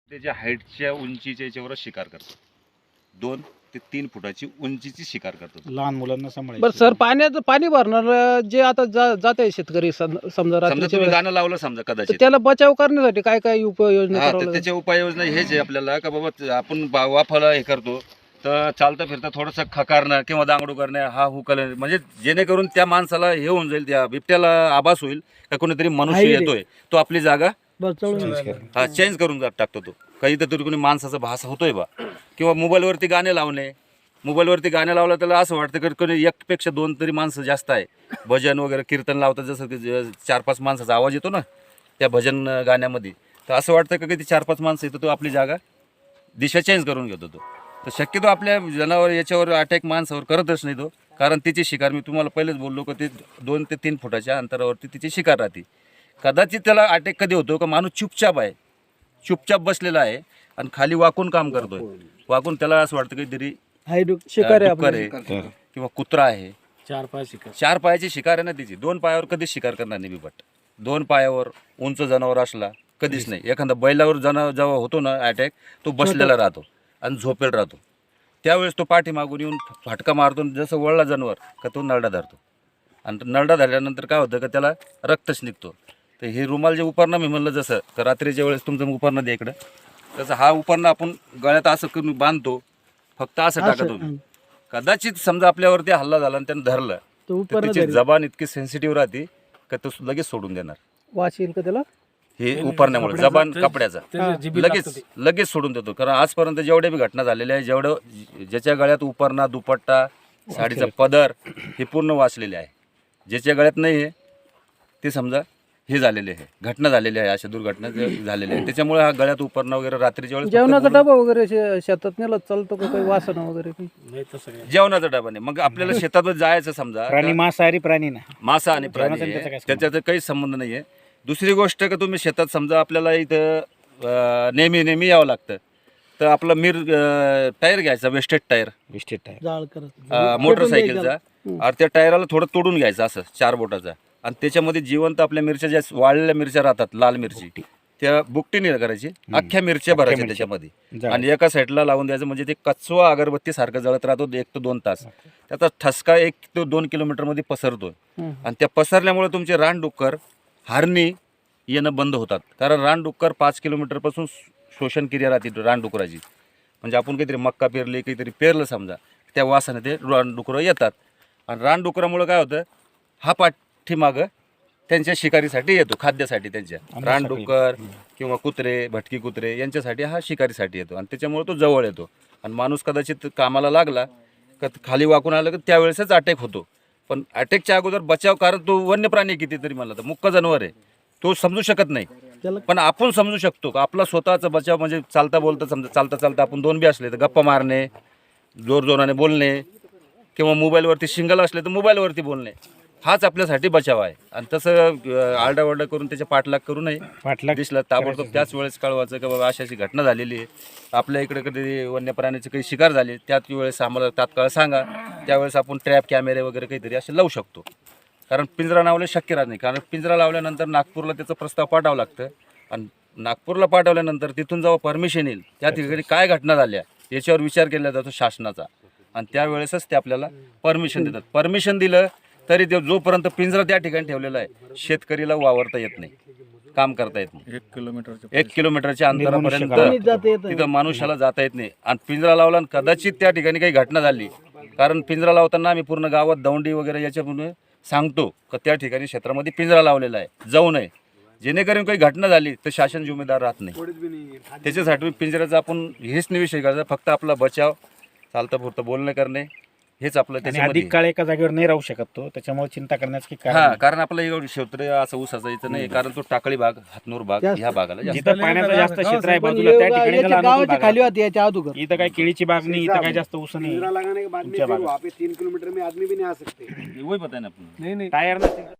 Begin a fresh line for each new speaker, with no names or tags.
त्याच्या हाईटच्या उंचीच्या याच्यावरच शिकार करतात. 2 ते 3 फुटाची उंचीची शिकार करतात.
लहान मुलांना
बरं
सांभाळायचं.
सर, पाणी भरणार जे आता जात आहे शेतकरी समजा
समजा
रात्रीच्या
तुम्ही
वेळेस,
गाणं लावलं समजा
तर
कदाचित,
त्याला बचाव करण्यासाठी काय काय उपाययोजना
हा
करावं
तर
लागेल?
त्याच्या उपाययोजना हेच आहे आपल्याला का बाबा आपण वाफाला हे करतो तर चालता फिरता थोडंसं खकारणं किंवा दांगडू करणं, हा हुकल, म्हणजे जेणेकरून त्या माणसाला हे होऊन जाईल, त्या बिबट्याला आभास होईल का कोणीतरी मनुष्य
आहे रे.
येतोय, तो आपली जागा
Change करा.
हा चेंज करून टाकतो. तो काही तर कोणी माणसाचा भास होतोय बा. किंवा मोबाईलवरती गाणे लावणे, मोबाईलवरती गाणे लावलं त्याला असं वाटतं की कोणी एकपेक्षा 2 तरी माणसं जास्त आहे. भजन वगैरे कीर्तन लावतात, जसं की 4-5 माणसाचा आवाज येतो ना त्या भजन गाण्यामध्ये, तर असं वाटतं की ते 4-5 माणसं येतो, तो आपली जागा दिशा चेंज करून घेतो. तो तर शक्यतो आपल्या जनावर याच्यावर अटॅक माणसावर करतच नाही तो, कारण तिची शिकार मी तुम्हाला पहिलेच बोललो की ते 2 ते 3 फुटाच्या अंतरावरती तिची शिकार राहते. कदाचित त्याला अटॅक कधी होतो का माणूस चुपचाप आहे, चुपचाप बसलेला आहे आणि खाली वाकून काम करतोय, वाकून त्याला असं वाटतं काहीतरी
शिकार आहे
डुक्कर
आपलं.
आहे किंवा कुत्रा आहे. 4 पायाची शिकार आहे ना तिची. 2 पायावर कधीच शिकार करणार नाही बिबट. 2 पायावर उंच जनावर असला कधीच नाही. एखादा बैलावर जेव्हा होतो ना अटॅक, तो बसलेला राहतो आणि झोपेल राहतो. त्यावेळेस तो पाठीमागून येऊन फाटका मारतो, जसं वळला जनावर का तो नरडा धरतो, आणि नरडा धरल्यानंतर काय होतं का त्याला रक्तच निघतो. तर हे रुमाल जे उपरणं मी म्हणलं, जसं तर रात्रीच्या वेळेस तुमचं उपरणं द्या इकडं, तसं हा उपरणं आपण गळ्यात असं करून बांधतो, फक्त असं टाका तुम्ही. कदाचित समजा आपल्यावरती हल्ला झाला आणि त्यानं धरलं तर त्याची जबान इतकी सेन्सिटिव्ह राहते का तो लगेच सोडून देणार.
वास येईल का त्याला?
हे उपरण्यामुळे जबान कपड्याचा लगेच सोडून देतो. कारण आजपर्यंत जेवढ्या बी घटना झालेल्या आहे, ज्याच्या गळ्यात उपरणा, दुपट्टा, साडीचा पदर हे पूर्ण वाचलेले आहे. ज्याच्या गळ्यात नाही आहे ते समजा हे झालेले आहे, घटना झालेली आहे, अशा दुर्घटना झालेल्या आहे. त्याच्यामुळे हा गळ्यात उपरणं वगैरे रात्रीच्या वेळेस
जेवणाचा डबा वगैरे शेतात नेला चालतो का? काही वासना वगैरे काही?
जेवणाचा डबा नाही. मग आपल्याला शेतात जायचं समजा,
प्राणी मांसाहारी प्राणी ना,
मासा आणि प्राणी
जेवणाचा त्याचा काय
आहे, त्याच्यात काही संबंध नाही आहे. दुसरी गोष्ट का तुम्ही शेतात समजा आपल्याला इथं नेहमी यावं लागतं, तर आपला टायर घ्यायचा, वेस्टेड टायर
जाळ करत
मोटरसायकलचा, आणि त्या टायराला थोडं तोडून घ्यायचं असं 4 बोटाचा, आणि त्याच्यामध्ये जिवंत आपल्या मिरच्या ज्या वाळलेल्या मिरच्या राहतात, लाल मिरची, त्या बुकटीने करायची, अख्ख्या मिरच्या भरायच्या त्याच्यामध्ये आणि एका साईडला लावून द्यायचं. म्हणजे ते कचवा अगरबत्ती सारखं जळत राहतो 1 ते 2 तास. त्याचा ठसका 1 ते 2 किलोमीटरमध्ये पसरतोय, आणि त्या पसरल्यामुळे तुमचे रानडुक्कर, हरणी येणं बंद होतात. कारण रानडुक्कर 5 किलोमीटरपासून शोषण क्रिया राहते रानडुकराची. म्हणजे आपण काहीतरी मक्का पेरली, काहीतरी पेरलं समजा, त्या वासाने ते रानडुकरं येतात, आणि रानडुकरामुळे काय होतं, हा पाठीमागं त्यांच्या शिकारीसाठी येतो, खाद्यासाठी. त्यांच्या रानडुक्कर किंवा कुत्रे, भटकी कुत्रे यांच्यासाठी हा शिकारीसाठी येतो, आणि त्याच्यामुळे तो जवळ येतो. आणि माणूस कदाचित कामाला लागला का खाली वाकून आलं की त्यावेळेसच अटॅक होतो. पण अटॅकच्या अगोदर बचाव, कारण तो वन्य प्राणी कितीतरी म्हणला तर मुक्क जनावर आहे, तो समजू शकत नाही. पण आपण समजू शकतो का आपला स्वतःचा बचाव. म्हणजे चालता बोलता समजा, चालता आपण 2 बी असले तर गप्पा मारणे, जोराने बोलणे, किंवा मोबाईलवरती शिंगल असले तर मोबाईलवरती बोलणे, हाच आपल्यासाठी बचाव आहे. आणि तसं आरडाओरडा करून त्याच्या पाठलाग करू नये. दिसलं ताबडतोब त्याच वेळेस कळवायचं की बाबा अशी घटना झालेली आहे, आपल्या इकडे कधी वन्य प्राण्याची काही शिकार झाली, त्याच वेळेस आम्हाला तात्काळ सांगा. त्यावेळेस आपण ट्रॅप कॅमेरे वगैरे काहीतरी असे लावू शकतो. कारण पिंजरा लावले शक्य राहत नाही, कारण पिंजरा लावल्यानंतर नागपूरला त्याचा प्रस्ताव पाठवावा लागतं, आणि नागपूरला पाठवल्यानंतर तिथून जेव्हा परमिशन येईल, त्या ठिकाणी काय घटना झाल्या याच्यावर विचार केला जातो शासनाचा, आणि त्यावेळेसच ते आपल्याला परमिशन देतात. परमिशन दिलं तरी ते जोपर्यंत पिंजरा त्या ठिकाणी ठेवलेला आहे, शेतकरीला वावरता येत नाही, काम करता येत नाही. 1 किलोमीटरच्या अंतरापर्यंत तिथं मनुष्याला जाता येत नाही. आणि पिंजरा लावला, आणि कदाचित त्या ठिकाणी काही घटना झाली, कारण पिंजरा लावताना आम्ही पूर्ण गावात दौंडी वगैरे याच्यामुळे सांगतो का त्या ठिकाणी क्षेत्रामध्ये पिंजरा लावलेला आहे, जाऊ नये. जेणेकरून काही घटना झाली तर शासन जिम्मेदार राहत नाही. त्याच्यासाठी पिंजऱ्याचा आपण हेच नाही विषय करायचा, फक्त आपला बचाव, चालता पुरतं बोलणं करणे, हेच आपलं त्याच्यामध्ये.
अधिक काळ एका जागेवर नाही राहू शकत तो, त्याच्यामुळे चिंता करण्याचं की
हा, कारण आपलं एवढं क्षेत्र असं ऊसाचं इथं नाही, कारण तो टाकळी भाग, हातनूर भाग ह्या भागाला जास्त.
जिथं पाण्याचं जास्त क्षेत्र आहे बाजूला, त्या ठिकाणी त्याला अनुकूल
गावाच्या
भाग
खाली
आहे.
होती याच्या अगोदर.
इथं काय केळीची बाग नाही, इथं काय जास्त ऊस नाही.
लगाने के बाद में फिर वहाँ पे 3 किलोमीटर में आदमी भी नहीं आ सकते।
वही पता है ना आपण.
नाही
टायर नसेल